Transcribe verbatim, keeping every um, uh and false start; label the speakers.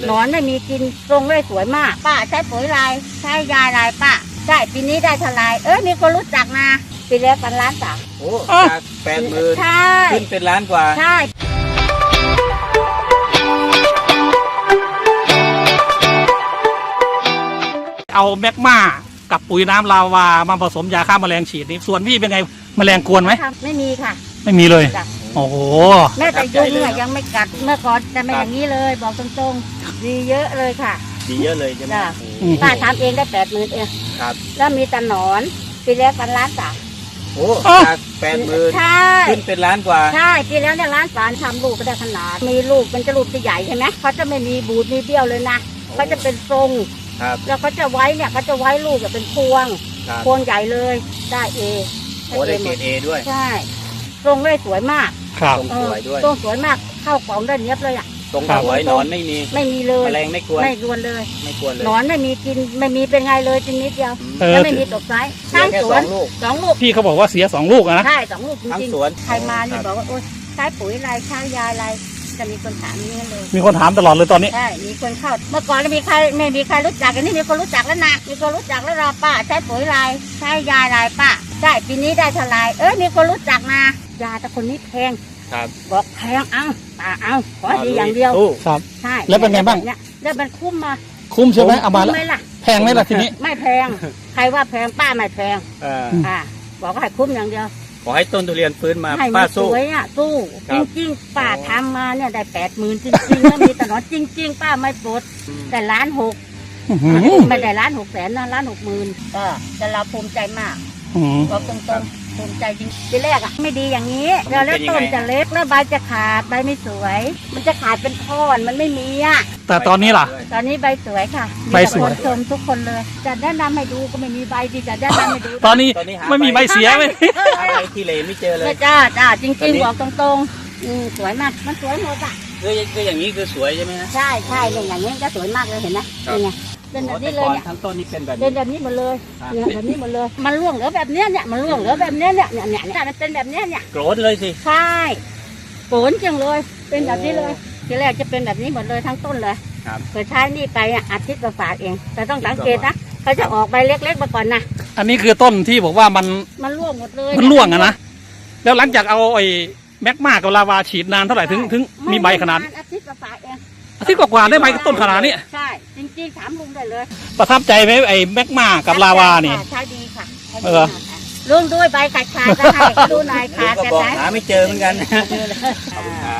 Speaker 1: หนอนไม่มีกินทรงเลยสวยมากป้าใช้ปุ๋ยลายใช้ยาลายป้าได้ปีนี้ได้เท่าไรเออมีคนรู้จักนะปีแล้วกันล้านสาม
Speaker 2: โอ้จากแปดหมื่น
Speaker 1: ใช่
Speaker 2: ขึ้นเป็นล้านกว่า
Speaker 1: ใช่
Speaker 3: เอาแมกมากับปุ๋ยน้ำลาวามาผสมยาฆ่าแมลงฉีดนี่ส่วนพี่เป็นไงแมลงกวนไหม
Speaker 1: ไม่มีค่ะ
Speaker 3: ไม่มีเลยโอ้โห
Speaker 1: แม่แต่ยุงอะยังไม่กัดเมื่อก่อนจะไม่อย่างนี้เลยบอกตรงๆดีเยอะเลยค่ะ
Speaker 2: ดีเยอะเลยใช่ไหม
Speaker 1: ป้าทำเองได้แปดหมื่นเอง
Speaker 2: ครับ
Speaker 1: แล้วมีแต่หนอนปีแล้วกันล้านสาม
Speaker 2: โอ้จากแปดหมื่น
Speaker 1: ใช่
Speaker 2: ขึ้นเป็นล้านกว่า
Speaker 1: ใช่ปีแล้วเนี่ยล้านสามทำลูกก็ได้ขนาดมีลูกเป็นจะลูกจะใหญ่ใช่ไหมเขาจะไม่มีบูดมีเบี้ยวเลยนะเขาจะเป็นทรงแล้วเขาจะไว้เนี่ยเขาจะไว้ลูกแบบเป็นพวงพวงใหญ่เลยได้เอ
Speaker 2: โอ้ได้เกรดเอด้วย
Speaker 1: ใช่ทรงเลยสวยมาก
Speaker 3: ครับ
Speaker 2: ทรงสวยด้วย
Speaker 1: ทรงสวยมากเข้ากล่องได้เนี้ยบเลยอ่ะ
Speaker 2: ทรงสวยหนอนไม่มี
Speaker 1: ไม่มีเลย
Speaker 2: แมลงไม่กวน
Speaker 1: ไม่กวนเลย
Speaker 2: ไม่กวนเลย
Speaker 1: หนอนไม่มีกินไม่มีเป็นไงเลยจริงนิดเดียวแล้วไม่มีตกไซส์ทั้งสวนสองลูก
Speaker 3: พี่เขาบอกว่าเสียสองลูกนะ
Speaker 1: ใช่สองลูกจริง
Speaker 2: ๆ
Speaker 1: ใครมาเนี่ยบอกว่าโอ๊ยใช้ปุ๋ยอะไรใช้ยาอะไรจะมีคนถามนี่เลย
Speaker 3: มีคนถามตลอดเลยตอนนี้
Speaker 1: ใช่มีคนเข้าเมื่อก่อนไม่มีใครไม่มีใครรู้จักอันนี้มีคนรู้จักแล้วนะมีคนรู้จักแล้วเราป้าใช้ปุ๋ยอะไรใช้ยาอะไรป้าได้ปีนี้ได้เท่าไรเออมีคนรู้จักนะยาแต่คนนี้แพงบอกแพงเอาป้าเอาขอดีอย่างเดียว
Speaker 3: ครับ
Speaker 1: ใช่
Speaker 3: แล้วเป็นไงบ้าง
Speaker 1: แล้วมันคุ้มมา
Speaker 3: คุ้มใช่ไหมเอามาแล้วแพงไหมล่ะทีนี้
Speaker 1: ไม่แพงใครว่าแพงป้าไม่แพงอ่าบอกว่าให้คุ้มอย่างเดียว
Speaker 2: ขอให้ต้นทุเรียนฟื้นมา
Speaker 1: ป้าสู้สวยอ่ะสู้จริงๆป้าทำมาเนี่ยได้แปดหมื่นจริงๆแล้วมีแต่หนอนจริงๆป้าไม่ปลดแต่ล้านหกไม่ได้ล้านหกแสนนะล้านหกหมื่นก็แต่เราภูมิใจมากบอกตรงๆภูมิใจจริงทีแรกอ่ะไม่ดีอย่างนี้แล้วต้นจะเล็กแล้วใบจะขาดใบไม่สวยมันจะขาดเป็นท่อนมันไม่มีอ่ะ
Speaker 3: แต่ตอนนี้ล่ะ
Speaker 1: ตอนนี้ใบสวยค่ะ
Speaker 3: ใบสวย
Speaker 1: ชมทุกคนเลยจะแนะนำให้ดูก็ไม่มีใบดีจะแนะนำให้ดู
Speaker 3: ตอนนี้ไม่มีใบเสียเลย
Speaker 2: หาใบที่เลไม่เจอเลย
Speaker 1: จ้าจ้าจริงๆบอกตรงๆอืมสวยมากมันสวยหมดอ่ะ
Speaker 2: คือคืออย่างนี้คือสวยใช่ไหมฮะ
Speaker 1: ใช่ใช่อย่างนี้ก็สวยมากเลยเห็นไหมเป็นไงเป็นแบบนี้เลยเนี่ย
Speaker 2: ทั้งต้นนี้เป็นแบบ
Speaker 1: เป็นแบบนี้หมดเลยเนี่ยแบบนี้หมดเลยมันร่วงเหลือแบบเนี้ยเนี่ยมันร่วงเหลือแบบเนี้ยเนี่ยเนี่ยเนี่ยมันเป็นแบบเนี้ยเนี่ย
Speaker 2: โกรธเลยสิ
Speaker 1: ใช่โกรธจังเลยเป็นแบบนี้เลยทีแรกจะเป็นแบบนี้หมดเลยทั้งต้นเลยเคยใช้นี่ไปอาทิตย์กว่าเองแต่ต้องสังเกตนะเขาจะออกใบเล็กๆมาก่อนนะ
Speaker 3: อันนี้คือต้นที่บอกว่ามัน
Speaker 1: มันร่วงหมดเลย
Speaker 3: มันร่วงอะนะแล้วหลังจากเอาไอ้แมกมากับลาวาฉีดนานเท่าไหร่ถึงถึงมีใบขนาด
Speaker 1: อาทิตย์กว่าเอง
Speaker 3: อาทิตย์กว่าได้ใบต้นขนาดนี้
Speaker 1: ใช่จริงๆถามลุงได้เลย
Speaker 3: ประทับใจไหมไอ้แมกมากับลาวานี่
Speaker 1: ใช่ดีค่ะเออลุงด้วยใบขาดขาดจะให้ดูหน่อยขาดจะ
Speaker 2: หาไม่เจอเหมือนกัน